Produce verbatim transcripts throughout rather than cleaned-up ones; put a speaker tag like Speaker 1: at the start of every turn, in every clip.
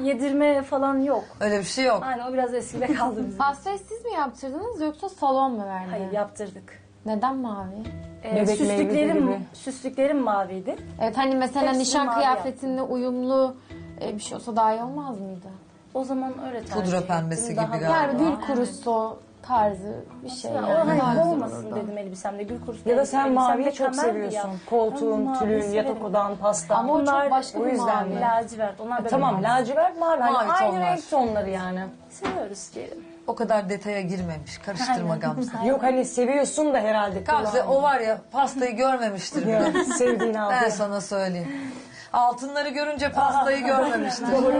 Speaker 1: yedirme falan yok.
Speaker 2: Öyle bir şey yok.
Speaker 1: Aynen, o biraz eskide kaldı bizim.
Speaker 3: Pastayı siz mi yaptırdınız yoksa salon mu verdi?
Speaker 1: Hayır, yaptırdık.
Speaker 3: Neden mavi?
Speaker 1: Ee,
Speaker 4: Bebek
Speaker 1: süslüklerim,
Speaker 4: meyveli.
Speaker 1: süslüklerim maviydi.
Speaker 3: Evet, hani mesela
Speaker 1: Hepsini
Speaker 3: nişan
Speaker 1: mavi
Speaker 3: kıyafetinle uyumlu e, bir şey olsa daha iyi olmaz mıydı?
Speaker 1: O zaman öyle tercih
Speaker 2: Pudra
Speaker 1: ettim.
Speaker 2: pembesi
Speaker 1: Daha
Speaker 2: gibi
Speaker 1: böyle-
Speaker 2: galiba.
Speaker 3: Yani gül kurusu tarzı bir şey.
Speaker 1: Ya,
Speaker 3: Yani.
Speaker 1: o hani
Speaker 3: Daha güzel
Speaker 1: olmasın
Speaker 3: olurdu.
Speaker 1: dedim elbisemde, gül kurusu.
Speaker 4: Ya da sen
Speaker 1: elbisemde
Speaker 4: maviyi çok
Speaker 1: kamerdi
Speaker 4: seviyorsun.
Speaker 1: ya.
Speaker 4: Koltuğun,
Speaker 1: Ben maviyi
Speaker 4: tülün,
Speaker 1: severim.
Speaker 4: yatak odan, pasta.
Speaker 3: Ama o
Speaker 1: Bunlar
Speaker 3: çok başka
Speaker 4: o
Speaker 3: bir
Speaker 4: yüzden
Speaker 3: mavi.
Speaker 4: mi?
Speaker 1: Lacivert. Onlar da
Speaker 4: Tamam,
Speaker 1: benim.
Speaker 4: lacivert mavi. Hani
Speaker 2: Mavi
Speaker 4: aynı
Speaker 2: tonlar.
Speaker 4: renk tonları yani.
Speaker 1: Seviyoruz diyelim.
Speaker 2: O kadar detaya girmemiş. Karıştırma Gamze.
Speaker 4: Yok hani seviyorsun da herhalde.
Speaker 2: Gamze o var ya pastayı görmemiştir bile.
Speaker 4: Ya, sevdiğini
Speaker 2: Ben
Speaker 4: aldı.
Speaker 2: sana söyleyeyim. Altınları görünce pastayı görmemiştir. Hı.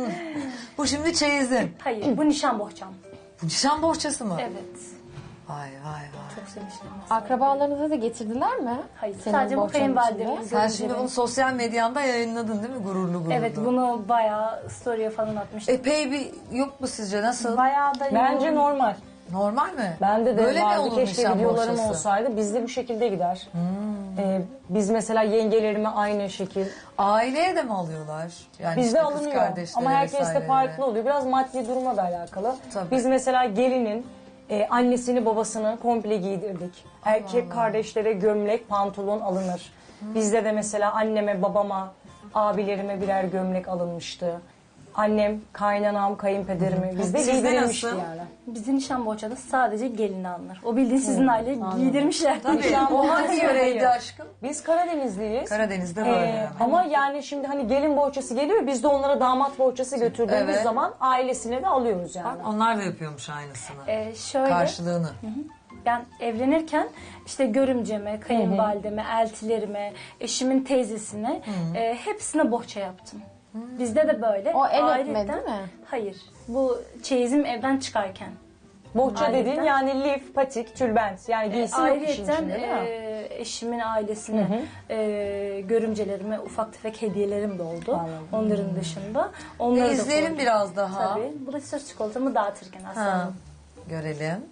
Speaker 2: Bu şimdi çeyizin.
Speaker 1: Hayır, bu nişan bohçam.
Speaker 2: Bu nişan bohçası mı?
Speaker 1: Evet.
Speaker 2: Vay vay vay.
Speaker 1: Çok sevmiştim. aslında.
Speaker 3: Akrabalarınıza da getirdiler mi?
Speaker 1: Hayır,
Speaker 3: Senin
Speaker 1: sadece bu
Speaker 3: bohçanın
Speaker 1: kayınvalidemin.
Speaker 3: içinde.
Speaker 2: Sen şimdi bunu sosyal medyanda yayınladın değil mi? Gururlu gururlu.
Speaker 1: Evet, bunu bayağı story'e falan atmıştım.
Speaker 2: Epey bir yok mu sizce? Nasıl?
Speaker 1: Bayağı da
Speaker 4: Bence
Speaker 1: yoğun.
Speaker 4: normal.
Speaker 2: Normal mi?
Speaker 4: Bende de
Speaker 2: Böyle mi
Speaker 4: vardı.
Speaker 2: olur
Speaker 4: Keşke
Speaker 2: nişan
Speaker 4: videolarım
Speaker 2: bohçası?
Speaker 4: olsaydı. Bizde bu şekilde gider. Ee, biz mesela yengelerime aynı şekil.
Speaker 2: Aileye de mi alıyorlar? Yani
Speaker 4: Bizde
Speaker 2: işte kız
Speaker 4: alınıyor.
Speaker 2: kardeşlere
Speaker 4: Ama herkes de
Speaker 2: vesairelere.
Speaker 4: farklı oluyor. Biraz maddi duruma da alakalı.
Speaker 2: Tabii.
Speaker 4: Biz mesela gelinin e, annesini babasını komple giydirdik. Erkek kardeşlere gömlek, pantolon alınır. Bizde de mesela anneme, babama, abilerime birer gömlek alınmıştı. Annem, kaynanam, kayınpederime bizde
Speaker 2: Sizde
Speaker 4: giydirilmişti
Speaker 2: nasıl?
Speaker 4: yani.
Speaker 1: Bizim nişan bohçada sadece gelini alınır. O bildiğin sizin aile giydirmişler.
Speaker 2: Tabii. O hangi yöreydi aşkım?
Speaker 4: Biz Karadenizliyiz.
Speaker 2: Karadeniz'de
Speaker 4: Ee,
Speaker 2: böyle yani.
Speaker 4: ama yani şimdi hani gelin bohçası geliyor, biz de onlara damat bohçası götürdüğümüz
Speaker 2: Evet.
Speaker 4: zaman ailesine de alıyoruz yani.
Speaker 2: Bak, onlar da yapıyormuş aynısını.
Speaker 1: Ee, şöyle,
Speaker 2: Karşılığını.
Speaker 1: ben evlenirken işte görümceme, kayınvalideme, eltilerime, eşimin teyzesine e, hepsine bohça yaptım. Bizde de böyle.
Speaker 3: O el
Speaker 1: Ayrıca-
Speaker 3: öpme değil mi?
Speaker 1: Hayır. Bu çeyizim evden çıkarken.
Speaker 4: Bohça
Speaker 1: Ayrıca-
Speaker 4: dediğin yani lif, patik, tülbent yani giysi yok işin
Speaker 1: Ayrıca
Speaker 4: içinde değil mi?
Speaker 1: e, eşimin ailesine, e, görümcelerime ufak tefek hediyelerim de oldu.
Speaker 4: Anladım.
Speaker 1: Onların dışında. Onları da
Speaker 2: İzleyelim
Speaker 1: koydum.
Speaker 2: biraz daha.
Speaker 1: Tabii. Bu da süt çikolatamı dağıtırken aslında.
Speaker 2: Ha. Görelim.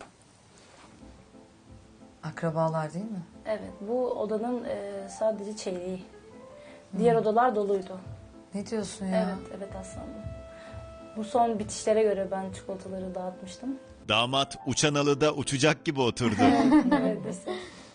Speaker 2: Akrabalar değil mi?
Speaker 1: Evet. Bu odanın e, sadece çeyreği. Diğer odalar doluydu.
Speaker 2: Ne diyorsun ya?
Speaker 1: Evet, evet aslında. Bu son bitişlere göre ben çikolataları dağıtmıştım.
Speaker 5: Damat uçan alıda uçacak gibi oturdu.
Speaker 1: Evet, işte.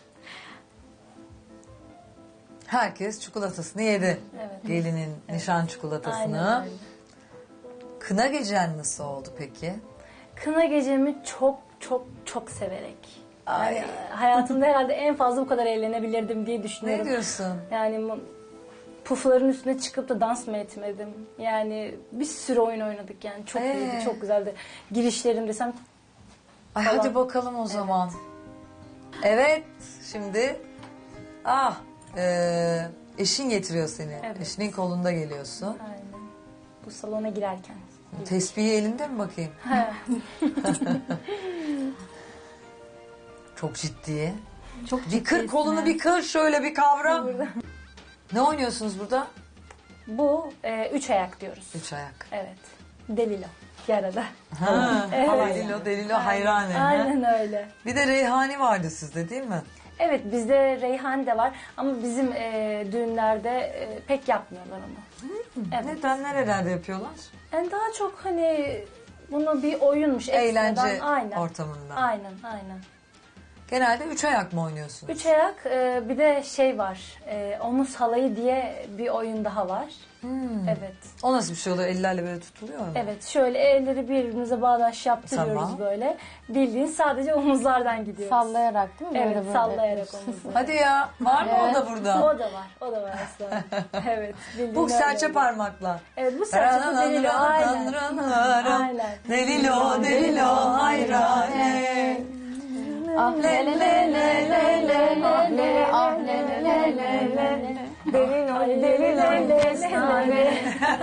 Speaker 2: Herkes çikolatasını yedi.
Speaker 1: Evet.
Speaker 2: Gelinin nişan çikolatasını.
Speaker 1: Aynen öyle.
Speaker 2: Kına gecen nasıl oldu peki?
Speaker 1: Kına gecemi çok çok çok severek.
Speaker 2: Ay.
Speaker 1: Yani hayatımda herhalde en fazla bu kadar eğlenebilirdim diye
Speaker 2: Ne
Speaker 1: düşünüyorum.
Speaker 2: diyorsun?
Speaker 1: Yani mu- pufların üstüne çıkıp da dans mı etmedim? Yani bir sürü oyun oynadık yani. Çok
Speaker 2: Ee?
Speaker 1: iyiydi, çok güzeldi. Girişlerim desem
Speaker 2: Ay
Speaker 1: Falan.
Speaker 2: hadi bakalım o zaman. Evet, şimdi ah e, eşin getiriyor seni.
Speaker 1: Evet.
Speaker 2: Eşinin kolunda geliyorsun.
Speaker 1: aynen. Bu salona girerken.
Speaker 2: Tespihi elinde mi bakayım? Çok ciddi.
Speaker 1: Çok
Speaker 2: Bir kır kolunu bir kır şöyle bir kavra. Ne oynuyorsunuz burada?
Speaker 1: Bu e, üç ayak diyoruz.
Speaker 2: Üç ayak.
Speaker 1: Evet. Delilo. Yarada.
Speaker 2: Ha,
Speaker 1: Evet.
Speaker 2: Delilo, Delilo hayrane. ha?
Speaker 1: Aynen öyle.
Speaker 2: Bir de Reyhani vardı sizde değil mi?
Speaker 1: Evet, bizde reyhan de var ama bizim e, düğünlerde e, pek yapmıyorlar onu. Evet.
Speaker 2: Neden, nerelerde yapıyorlar?
Speaker 1: Yani daha çok hani bunu bir oyunmuş.
Speaker 2: Eğlence
Speaker 1: ekstradan. Aynen.
Speaker 2: ortamında.
Speaker 1: Aynen, aynen.
Speaker 2: Genelde üç ayak mı oynuyorsunuz?
Speaker 1: Üç ayak e, bir de şey var. E, omuz halayı diye bir oyun daha var.
Speaker 2: Hmm.
Speaker 1: Evet.
Speaker 2: O nasıl bir şey oluyor? Ellerle böyle tutuluyor mu?
Speaker 1: Evet, şöyle elleri birbirimize bağdaş yaptırıyoruz
Speaker 2: Tamam.
Speaker 1: böyle. Bildiğin sadece omuzlardan gidiyoruz.
Speaker 3: Sallayarak değil mi?
Speaker 1: Evet,
Speaker 3: Böyle böyle
Speaker 1: sallayarak
Speaker 3: yapıyorsun.
Speaker 1: omuzları.
Speaker 2: Hadi ya. Var mı o da burada?
Speaker 1: O da var, o da var aslında. Evet. bildiğin
Speaker 2: Bu
Speaker 1: öyle
Speaker 2: serçe
Speaker 1: oluyor.
Speaker 2: parmakla.
Speaker 1: Evet, bu serçe bu delilo. Aynen. Aynen.
Speaker 2: Delilo, delilo, hayrane.
Speaker 3: Ah le le le le le le ah le ah le le le le le.
Speaker 4: Delilo, delilo, desane.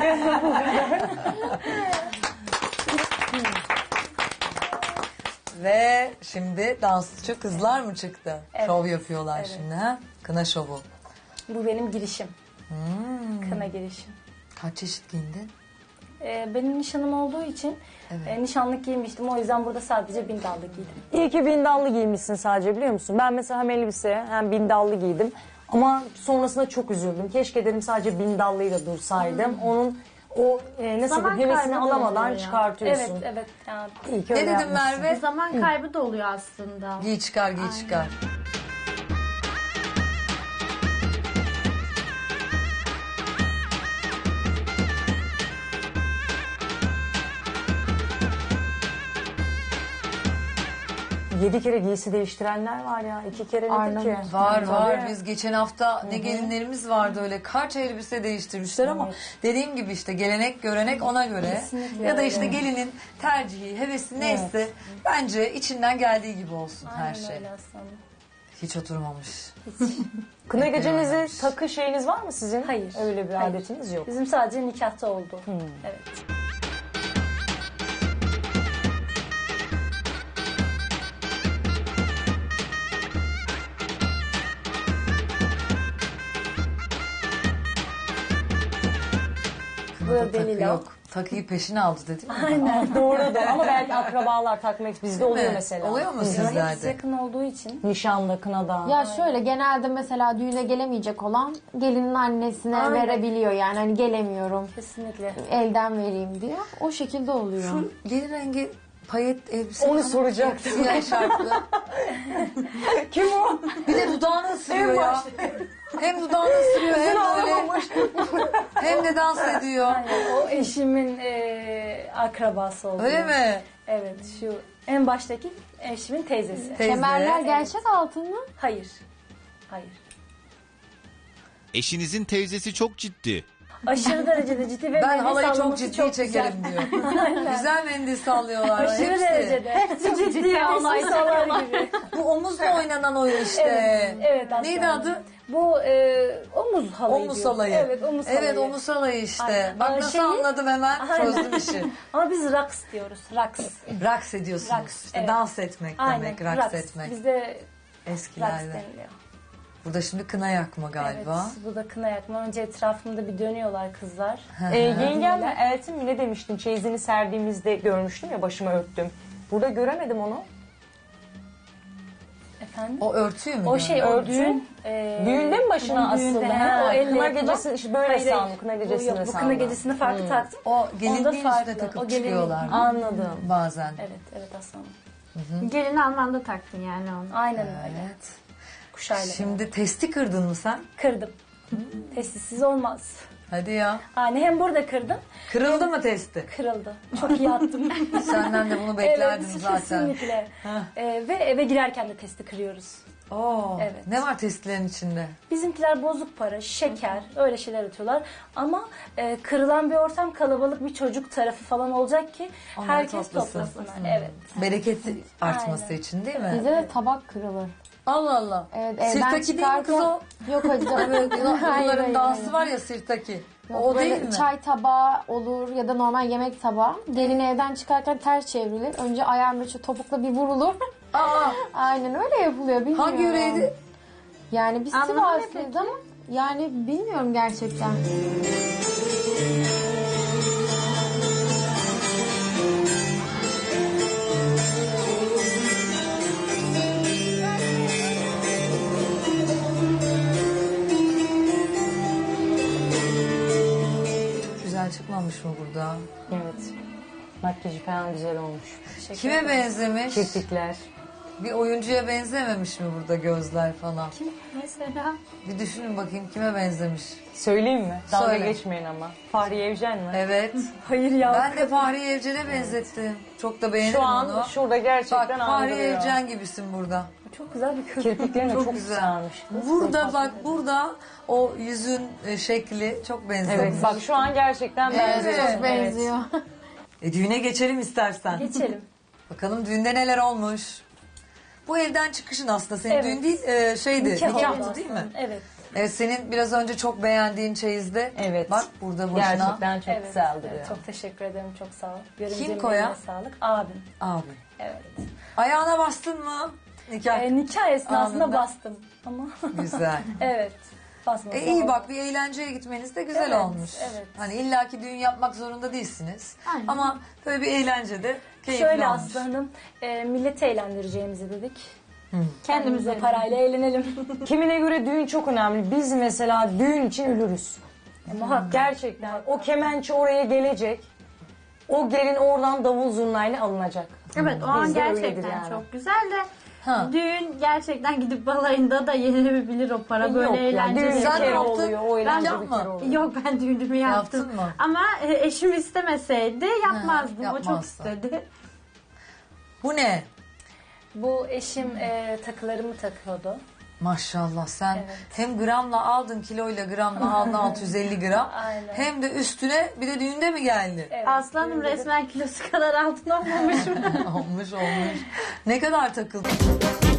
Speaker 2: Ve şimdi dansçı kızlar mı çıktı?
Speaker 1: Evet.
Speaker 2: Şov yapıyorlar
Speaker 1: Evet.
Speaker 2: şimdi ha? Kına şovu.
Speaker 1: Bu benim girişim.
Speaker 2: Hmm.
Speaker 1: Kına girişim.
Speaker 2: Kaç çeşit giyindin?
Speaker 1: Ee, benim nişanım olduğu için
Speaker 2: Evet.
Speaker 1: e, nişanlık giymiştim. O yüzden burada sadece bindallı giydim.
Speaker 4: İyi ki bindallı giymişsin sadece biliyor musun? Ben mesela hem elbise hem bindallı giydim. Ama sonrasında çok üzüldüm. Keşke dedim sadece bindallıyla dursaydım. Onun O e, nasıl
Speaker 3: Zaman
Speaker 4: diyeyim, hevesini
Speaker 3: kaybı da
Speaker 4: alamadan
Speaker 3: oluyor ya.
Speaker 4: çıkartıyorsun.
Speaker 1: Evet, evet. Yani
Speaker 4: İyi ki
Speaker 2: Ne
Speaker 4: öyle
Speaker 2: dedim
Speaker 4: yapmışsın.
Speaker 2: Merve?
Speaker 3: Zaman kaybı da oluyor aslında.
Speaker 2: Giy çıkar, giy çıkar.
Speaker 4: Yedi kere giysi değiştirenler var ya. İki kere nedir
Speaker 3: Arnavut.
Speaker 4: ki?
Speaker 2: Var
Speaker 4: Tabii.
Speaker 2: var. Biz geçen hafta ne gelinlerimiz vardı öyle kaç elbise değiştirmişler ama dediğim gibi işte gelenek görenek ona göre.
Speaker 1: Kesinlikle
Speaker 2: Ya da işte
Speaker 1: öyle.
Speaker 2: gelinin tercihi, hevesi neyse bence içinden geldiği gibi olsun her
Speaker 1: aynen
Speaker 2: şey.
Speaker 1: öyle aslanım.
Speaker 2: Hiç oturmamış.
Speaker 4: Kına
Speaker 2: Peki,
Speaker 4: gecenizi
Speaker 2: öyleymiş.
Speaker 4: takı şeyiniz var mı sizin?
Speaker 1: Hayır.
Speaker 4: Öyle bir
Speaker 1: Hayır.
Speaker 4: adetiniz yok.
Speaker 1: Bizim sadece nikahta oldu.
Speaker 2: Hmm.
Speaker 1: Evet.
Speaker 2: Kınada takı
Speaker 1: Delila.
Speaker 2: yok. Takıyı peşine aldı dedim mi?
Speaker 1: Aynen.
Speaker 4: Doğru da ama belki akrabalar takmak bizde oluyor
Speaker 2: mi?
Speaker 4: mesela.
Speaker 2: Oluyor mu
Speaker 4: Hı.
Speaker 2: sizde?
Speaker 1: Hepsi
Speaker 2: Nerede?
Speaker 1: yakın olduğu için.
Speaker 4: Nişanda, kınada.
Speaker 3: Ya şöyle genelde mesela düğüne gelemeyecek olan gelinin annesine
Speaker 1: Aynen.
Speaker 3: verebiliyor yani hani gelemiyorum
Speaker 1: Kesinlikle.
Speaker 3: elden vereyim diyor. O şekilde oluyor.
Speaker 2: Şu gelin rengi payet elbise.
Speaker 4: Onu
Speaker 2: falan.
Speaker 4: soracaktım.
Speaker 2: Siyah şarklı.
Speaker 4: Kim o?
Speaker 2: Bir de dudağını ısırıyor ya. Hem dudağını ısırıyor hem böyle hem de dans ediyor.
Speaker 1: Aynen. O eşimin e, akrabası oldu.
Speaker 2: Öyle mi?
Speaker 1: Evet. Şu en baştaki eşimin teyzesi.
Speaker 2: Teyze.
Speaker 3: Kemerler gerçek altın mı?
Speaker 1: Hayır. Hayır.
Speaker 5: Eşinizin teyzesi çok ciddi.
Speaker 1: Aşırı derecede ciddi ve
Speaker 2: Ben
Speaker 1: mendil
Speaker 2: halayı çok
Speaker 1: sallaması
Speaker 2: ciddi
Speaker 1: çok
Speaker 2: çekerim
Speaker 1: güzel.
Speaker 2: diyor. Güzel mendil sallıyorlar.
Speaker 1: Aşırı
Speaker 2: hepsi.
Speaker 1: derecede. ciddi halay sallar gibi.
Speaker 2: Bu omuzla oynanan oyun işte.
Speaker 1: Evet, evet aslında.
Speaker 2: Neydi adı?
Speaker 1: Bu e, omuz halayı
Speaker 2: Omuz
Speaker 1: diyoruz.
Speaker 2: halayı.
Speaker 1: Evet, omuz halayı.
Speaker 2: Evet, omuz halayı işte.
Speaker 1: Aynen.
Speaker 2: Bak
Speaker 1: Aa,
Speaker 2: nasıl
Speaker 1: şeyi-
Speaker 2: anladım hemen.
Speaker 1: Aynen.
Speaker 2: Çözdüm işi.
Speaker 1: Ama biz raks diyoruz. Raks.
Speaker 2: Raks ediyorsunuz.
Speaker 1: Raks,
Speaker 2: işte
Speaker 1: evet.
Speaker 2: dans etmek
Speaker 1: Aynen.
Speaker 2: demek, raks,
Speaker 1: raks.
Speaker 2: etmek.
Speaker 1: Bizde raks
Speaker 2: Eskilerde.
Speaker 1: deniliyor.
Speaker 2: Burada şimdi kına yakma galiba.
Speaker 1: Evet, bu da kına yakma. Önce etrafımda bir dönüyorlar kızlar.
Speaker 4: Ee, yengemle Eltim mi ne demiştin? Çeyizini serdiğimizde görmüştüm ya, başıma örttüm. Burada göremedim onu.
Speaker 1: Efendim?
Speaker 2: O örtüyü mü?
Speaker 1: O şey
Speaker 2: gördün?
Speaker 1: o
Speaker 4: Örtü.
Speaker 1: düğün. e,
Speaker 4: Düğünde mi başına
Speaker 1: düğünde,
Speaker 4: asıldı?
Speaker 1: he,
Speaker 4: Ha,
Speaker 1: o elle
Speaker 4: kına
Speaker 1: yapılan-
Speaker 4: gecesi işte böyle
Speaker 1: Hayır,
Speaker 4: sandım. Kına
Speaker 1: bu
Speaker 4: gecesinde
Speaker 1: yok, bu kına
Speaker 4: sandım.
Speaker 1: gecesinde farklı taktım.
Speaker 2: O gelinliğin
Speaker 1: Onda
Speaker 2: üstüne
Speaker 1: farklı.
Speaker 2: takıp
Speaker 1: O gelinliğin-
Speaker 2: çıkıyorlar.
Speaker 4: Anladım.
Speaker 2: Bazen.
Speaker 1: Evet, evet aslanım.
Speaker 3: Gelin Alman'da taktın yani onu.
Speaker 1: Aynen öyle.
Speaker 2: Evet.
Speaker 1: Kuşayla.
Speaker 2: Şimdi testi kırdın mı sen?
Speaker 1: Kırdım. Testisiz olmaz.
Speaker 2: Hadi ya.
Speaker 1: Yani hem burada kırdım,
Speaker 2: Kırıldı mı testi?
Speaker 1: kırıldı. Çok iyi attım.
Speaker 2: Senden de bunu beklerdim
Speaker 1: evet,
Speaker 2: zaten.
Speaker 1: kesinlikle. Ee, ve eve girerken de testi kırıyoruz.
Speaker 2: Oo,
Speaker 1: Evet.
Speaker 2: Ne var testlerin içinde?
Speaker 1: Bizimkiler bozuk para, şeker, öyle şeyler atıyorlar. Ama e, kırılan bir ortam, kalabalık bir çocuk tarafı falan olacak ki
Speaker 2: Onları
Speaker 1: herkes
Speaker 2: toplasın.
Speaker 1: toplasınlar. Evet.
Speaker 2: Bereketi artması
Speaker 1: Aynen.
Speaker 2: için değil mi?
Speaker 3: Bizde de tabak kırılır.
Speaker 2: Allah Allah.
Speaker 3: Evet, evden
Speaker 2: Sirtaki değil mi kız o?
Speaker 3: Yok hocam.
Speaker 2: Evet,
Speaker 3: Hayır,
Speaker 2: Bunların
Speaker 3: hayır,
Speaker 2: dansı
Speaker 3: hayır.
Speaker 2: var ya sirtaki.
Speaker 3: Yok,
Speaker 2: O
Speaker 3: böyle
Speaker 2: değil mi?
Speaker 3: çay tabağı olur ya da normal yemek tabağı. Gelin evden çıkarken ters çevrilir. Önce ayağın böyle topukla bir vurulur.
Speaker 2: Aa,
Speaker 3: Aynen öyle yapılıyor bilmiyorum.
Speaker 2: hangi yöreydi?
Speaker 3: Yani biz
Speaker 1: Anlamı ne
Speaker 3: Sivaslıyız ama yani bilmiyorum gerçekten.
Speaker 2: Güzel çıkmamış mı burada?
Speaker 4: Evet. Makyajı falan güzel olmuş.
Speaker 1: Teşekkür
Speaker 2: Kime
Speaker 1: ederim.
Speaker 2: benzemiş?
Speaker 4: Kirpikler.
Speaker 2: Bir oyuncuya benzememiş mi burada gözler falan?
Speaker 3: Mesela
Speaker 2: Bir düşünün bakayım kime benzemiş?
Speaker 4: Söyleyeyim mi? Dalga
Speaker 2: Söyle.
Speaker 4: geçmeyin ama. Fahriye Evcen mi?
Speaker 2: Evet.
Speaker 1: Hayır ya.
Speaker 2: Ben de Fahriye Evcen'e benzettim. Çok da beğenirim
Speaker 4: Şu an
Speaker 2: onu.
Speaker 4: şurada gerçekten
Speaker 2: Bak Fahriye
Speaker 4: andırıyor.
Speaker 2: Evcen gibisin burada.
Speaker 1: Çok güzel bir kız.
Speaker 4: Kirpiklerin de
Speaker 2: Çok
Speaker 4: çok,
Speaker 2: güzel.
Speaker 4: güzelmiş.
Speaker 2: Burada bak burada o yüzün e, şekli çok benzemiş.
Speaker 4: Evet bak şu an gerçekten benziyor.
Speaker 2: Evet.
Speaker 3: çok benziyor.
Speaker 2: E, düğüne geçelim istersen.
Speaker 1: Geçelim.
Speaker 2: Bakalım düğünde neler olmuş. Bu evden çıkışın aslında senin
Speaker 1: Evet.
Speaker 2: düğün değil e, şeydi
Speaker 1: Nikah
Speaker 2: nikahtı
Speaker 1: oldu
Speaker 2: değil mi?
Speaker 1: aslında. Evet.
Speaker 2: Evet senin biraz önce çok beğendiğin çeyizde.
Speaker 4: Evet.
Speaker 2: Bak burada boşuna.
Speaker 4: Gerçekten çok
Speaker 1: evet.
Speaker 4: güzel duruyor.
Speaker 1: Evet, çok teşekkür ederim. Çok sağ ol. Görümcemin
Speaker 2: Kim koyan?
Speaker 1: eline sağlık. Abim.
Speaker 2: Abi.
Speaker 1: Evet.
Speaker 2: Ayağına bastın mı? Nikah.
Speaker 1: E, nikah esnasında
Speaker 2: Anında.
Speaker 1: bastım. Ama
Speaker 2: Güzel.
Speaker 1: evet. Basmasam
Speaker 2: E iyi
Speaker 1: olmaz.
Speaker 2: bak bir eğlenceye gitmeniz de güzel
Speaker 1: Evet,
Speaker 2: olmuş.
Speaker 1: evet.
Speaker 2: Hani illaki düğün yapmak zorunda değilsiniz.
Speaker 3: Aynen.
Speaker 2: Ama böyle bir eğlence de keyifli
Speaker 1: Şöyle
Speaker 2: olmuş.
Speaker 1: Aslı Hanım, e, milleti eğlendireceğimizi dedik.
Speaker 3: Kendimize
Speaker 1: Kendimize parayla eğlenelim.
Speaker 4: Kimine göre düğün çok önemli. Biz mesela düğün için ölürüz.
Speaker 1: Muhakkak.
Speaker 4: Gerçekten. O kemençe oraya gelecek. O gelin oradan davul zurnayla alınacak.
Speaker 6: Evet o an
Speaker 4: Bizde öyledir
Speaker 6: gerçekten
Speaker 4: yani.
Speaker 6: çok güzel de
Speaker 2: Ha.
Speaker 6: düğün gerçekten gidip balayında da yenilebilir o para böyle
Speaker 4: Yok ya,
Speaker 6: eğlenceli.
Speaker 4: düğün bir
Speaker 2: Sen
Speaker 4: kere
Speaker 2: yaptın.
Speaker 4: oluyor, o eğlence
Speaker 2: Ben
Speaker 4: bir kere
Speaker 2: yapma.
Speaker 4: oluyor.
Speaker 6: Yok ben düğünümü yaptım.
Speaker 2: Yaptın mı?
Speaker 6: Ama e, eşim istemeseydi yapmazdım. O çok
Speaker 2: yapmazdı.
Speaker 6: istedi.
Speaker 2: Bu ne?
Speaker 1: Bu eşim e, takılarımı takıyordu.
Speaker 2: Maşallah sen
Speaker 1: Evet.
Speaker 2: hem gramla aldın kiloyla gramla aldın altı yüz elli gram.
Speaker 1: Aynen.
Speaker 2: Hem de üstüne bir de düğünde mi geldi?
Speaker 1: Evet,
Speaker 6: Aslanım
Speaker 1: düğünde de-
Speaker 6: resmen kilosu kadar altın olmamış mı?
Speaker 2: olmuş olmuş. Ne kadar takıldın?